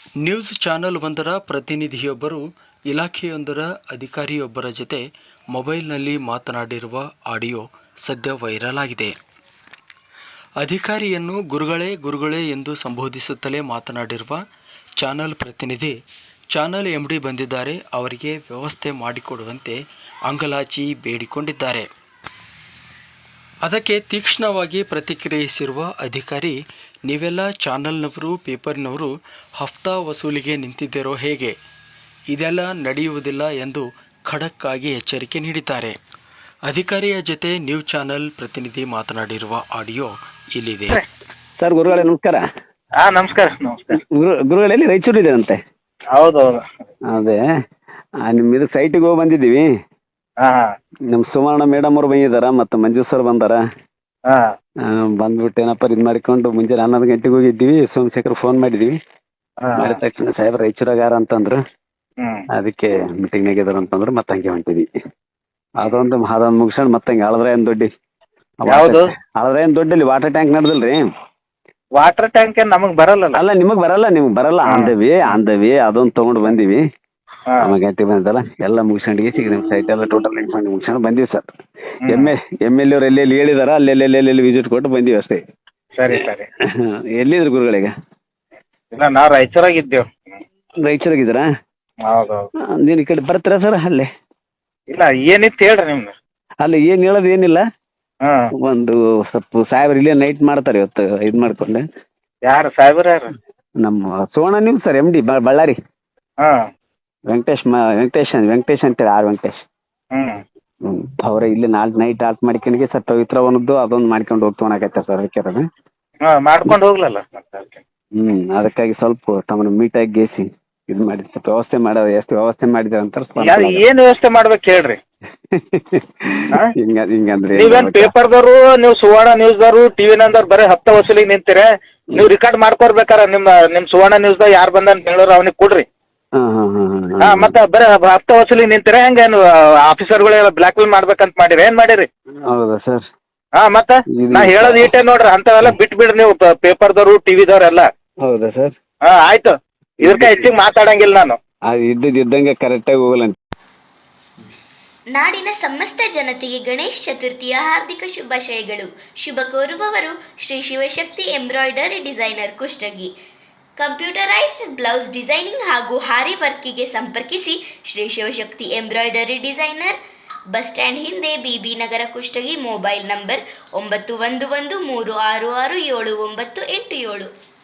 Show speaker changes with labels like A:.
A: News channel ಒಂದರ ಪ್ರತಿನಿಧಿಯೊಬ್ಬರು ಇಲಾಖೆಯೊಂದರ ಅಧಿಕಾರಿಯೊಬ್ಬರ ಜೊತೆ ಮೊಬೈಲ್ನಲ್ಲಿ ಮಾತನಾಡಿರುವ ಆಡಿಯೋ ಸದ್ಯ ವೈರಲ್ ಆಗಿದೆ. ಅಧಿಕಾರಿಯನ್ನು ಗುರುಗಳೇ ಎಂದು ಸಂಬೋಧಿಸುತ್ತಲೇ ಮಾತನಾಡಿರುವ ಚಾನೆಲ್ ಪ್ರತಿನಿಧಿ, ಚಾನೆಲ್ ಎಂಡಿ ಬಂದಿದ್ದಾರೆ, ಅವರಿಗೆ ವ್ಯವಸ್ಥೆ ಮಾಡಿಕೊಡುವಂತೆ ಅಂಗಲಾಚಿ ಬೇಡಿಕೊಂಡಿದ್ದಾರೆ. ಅದಕ್ಕೆ ತೀಕ್ಷ್ಣವಾಗಿ ಪ್ರತಿಕ್ರಿಯಿಸಿರುವ ಅಧಿಕಾರಿ, ನೀವೆಲ್ಲ ಚಾನೆಲ್ನವರು, ಪೇಪರ್ನವರು ಹಫ್ತಾ ವಸೂಲಿಗೆ ನಿಂತಿದ್ದೀರೋ ಹೇಗೆ? ಇದೆಲ್ಲ ನಡೆಯುವುದಿಲ್ಲ ಎಂದು ಖಡಕ್ ಆಗಿ ಎಚ್ಚರಿಕೆ ನೀಡಿದ್ದಾರೆ. ಅಧಿಕಾರಿಯ ಜೊತೆ ನ್ಯೂಸ್ ಚಾನೆಲ್ ಪ್ರತಿನಿಧಿ ಮಾತನಾಡಿರುವ ಆಡಿಯೋ ಇಲ್ಲಿದೆ.
B: ಸರ್, ಗುರುಗಳೇ ನಮಸ್ಕಾರ.
C: ನಮಸ್ಕಾರ.
B: ಗುರುಗಳಲ್ಲಿ ರಾಯಚೂರು ಇದೆ ಅಂತೆ.
C: ಹೌದೌದು.
B: ಅದೇ ನಿಮ್ಮ ಇದು ಸೈಟಿಗೆ ಹೋಗಿ ಬಂದಿದ್ದೀವಿ. ನಮ್ಮ ಸುವರ್ಣ ಮೇಡಮ್ ಅವ್ರು ಬಂದಿದ್ದಾರ, ಮತ್ತು ಮಂಜು ಸರ್ ಬಂದಾರ. ಬಂದ್ಬಿಟ್ಟು ಏನಪ್ಪ ಇದು ಮಾಡಿಕೊಂಡು ಮುಂಜಾನೆ 11 ಗಂಟೆಗೆ ಹೋಗಿದ್ದೀವಿ. ಸೋಮಶೇಖರ್ ಫೋನ್ ಮಾಡಿದ್ದೀವಿ. ಮಾಡಿದ ತಕ್ಷಣ ಸಾಹೇಬ್ರ ರಾಯಚೂರಾಗಾರ ಅಂತಂದ್ರು. ಅದಕ್ಕೆ ಮೀಟಿಂಗ್ನಾಗ ಇದಾರ ಅಂತಂದ್ರು. ಮತ್ತೆ ಹಂಗೆ ಹೊಂಟಿದ್ವಿ. ಅದೊಂದು ಮುಗಿಸ್ಕೊಂಡು ಮತ್ತೆ ಹಂಗೆ ಹಳದ್ರಾಯನ್ ದೊಡ್ಡಿ ವಾಟರ್ ಟ್ಯಾಂಕ್ ನಡೆದಿಲ್ರಿ.
C: ವಾಟರ್ ಟ್ಯಾಂಕ್ ನಮಗ್ ಬರಲ್ಲ.
B: ಅಲ್ಲ, ನಿಮಗ್ ಬರಲ್ಲ. ಅಂದವಿ ಅದೊಂದು ತಗೊಂಡು ಬಂದಿವಿ. ಗಂಟೆ ಬಂದಲ್ಲ, ಎಲ್ಲ ಮುಗಿಸ್ಕೊಂಡು ನಿಮ್ಮ ಸೈಟ್ ಎಲ್ಲ ಟೋಟಲ್ ಮುಗಿಸ್ಕೊಂಡು ಬಂದೀವಿ ಸರ್. ಎಮ್ ಎಲ್ ಎಲ್ಲಿ ಹೇಳಿದಾರ ಅಲ್ಲೆಲ್ಲಿ ವಿಸಿಟ್ ಕೊಟ್ಟು ಬಂದೀವಿ ಅಷ್ಟೇ.
C: ಸರಿ ಸರಿ.
B: ಎಲ್ಲಿದ್ರು ಗುರುಗಳಿಗೆ?
C: ಇಲ್ಲ, ನಾವು ರಾಯಚೂರಾಗಿದ್ದೇವೆ.
B: ರಾಯಚೂರಾಗಿದ್ದೀರಾ?
C: ಹೌದೌದು.
B: ನೀನು ಈ ಕಡೆ ಬರ್ತೀರಾ ಸರ್? ಅಲ್ಲೇ
C: ಇಲ್ಲ, ಏನಿತ್ತು ಹೇಳ್ರಿ ನಿಮ್ದು.
B: ಅಲ್ಲಿ ಏನು ಹೇಳೋದು ಏನಿಲ್ಲ. ಒಂದು ಸ್ವಲ್ಪ ಸಾಹೇಬ್ರು ಇಲ್ಲೇ ನೈಟ್ ಮಾಡ್ತಾರೆ ಇವತ್ತು ಇದು ಮಾಡ್ಕೊಂಡು.
C: ಯಾರು ಸಾಹೇಬ್ರ? ಯಾರು?
B: ನಮ್ಮ ಸೋಣ ನೀವು ಸರ್, MD ಬಳ್ಳಾರಿ. ವೆಂಕಟೇಶ್ ಅಂತೇಳಿ ವೆಂಕಟೇಶ್. ಅವ್ರ ಇಲ್ಲಿ ನಾಳೆ ನೈಟ್ ಆಲ್ಟ್ ಮಾಡ್ಕೊಂಡು ಸರ್ ಪವಿತ್ರವನದ್ದು ಅದೊಂದು ಮಾಡ್ಕೊಂಡು ಹೋಗ್ತವನಾಗತ್ತೆ ಸರ್. ಅದಕ್ಕೆ
C: ಮಾಡ್ಕೊಂಡು ಹೋಗ್ಲಲ್ಲ.
B: ಅದಕ್ಕಾಗಿ ಸ್ವಲ್ಪ ತಮ್ಮನ್ನ ಮೀಟಾಗಿ ಗೇಸಿ ಇದು ಮಾಡಿ ಸ್ವಲ್ಪ ಎಷ್ಟು ವ್ಯವಸ್ಥೆ ಮಾಡಿದ್ರೆ ಅಂತ.
C: ಏನ್ ವ್ಯವಸ್ಥೆ ಮಾಡ್ಬೇಕು ಹೇಳ್ರಿ.
B: ಹಿಂಗಂದ್ರೆ
C: ನೀವೇನ್ ಪೇಪರ್ದವರು, ನೀವು ಸುವರ್ಣ ನ್ಯೂಸ್ದವರು, ಟಿವಿ ನಂದವ್ರು ಬರೀ ಹಪ್ತಾ ವಸೂಲಿಗೆ ನಿಂತೀರ. ನೀವು ರಿಕಾರ್ಡ್ ಮಾಡ್ಕೊಡ್ಬೇಕಾರ. ನಿಮ್ ಸುವರ್ಣ ನ್ಯೂಸ್ದಾಗ ಯಾರು ಬಂದ ಬೆಂಗಳೂರು ಅವನಿಗೆ ಕೊಡ್ರಿ. ಮತ್ತೆ ಬರೀ ಹಪ್ತಾ ವಸೂಲಿಗೆ ನಿಂತೀರ. ಹೆಂಗೇನು ಆಫೀಸರ್ಗಳೆಲ್ಲ ಬ್ಲಾಕ್ ಮೇಲ್ ಮಾಡ್ಬೇಕಂತ ಮಾಡಿರಿ? ಏನ್ ಮಾಡಿರಿ?
B: ಹೌದಾ ಸರ್?
C: ಮತ್ತೆ ನಾ ಹೇಳೋದು ಈಟೇ ನೋಡ್ರಿ. ಅಂತವೆಲ್ಲ ಬಿಟ್ಬಿಡ್ರಿ ನೀವು, ಪೇಪರ್ದವರು, ಟಿವಿದವ್ರೆಲ್ಲ.
B: ಹೌದಾ ಸರ್?
C: ಆಯ್ತು. ಇದಕ್ಕೆ ಹೆಚ್ಚಿಗೆ ಮಾತಾಡಂಗಿಲ್ಲ ನಾನು.
B: ಇದ್ದಂಗೆ ಕರೆಕ್ಟಾಗಿ ಹೋಗಲ್ಲ.
D: ನಾಡಿನ ಸಮಸ್ತ ಜನತೆಗೆ ಗಣೇಶ ಚತುರ್ಥಿಯ ಹಾರ್ದಿಕ ಶುಭಾಶಯಗಳು. ಶುಭ ಕೋರುವವರು Shri Shivashakti embroidery designer, Kushtagi. Computerised blouse designing ಹಾಗೂ ಹಾರಿ ವರ್ಕಿಗೆ ಸಂಪರ್ಕಿಸಿ. Shri Shivashakti embroidery designer, bus stand ಹಿಂದೆ, BB Nagar, Kushtagi. Mobile number 9113666787.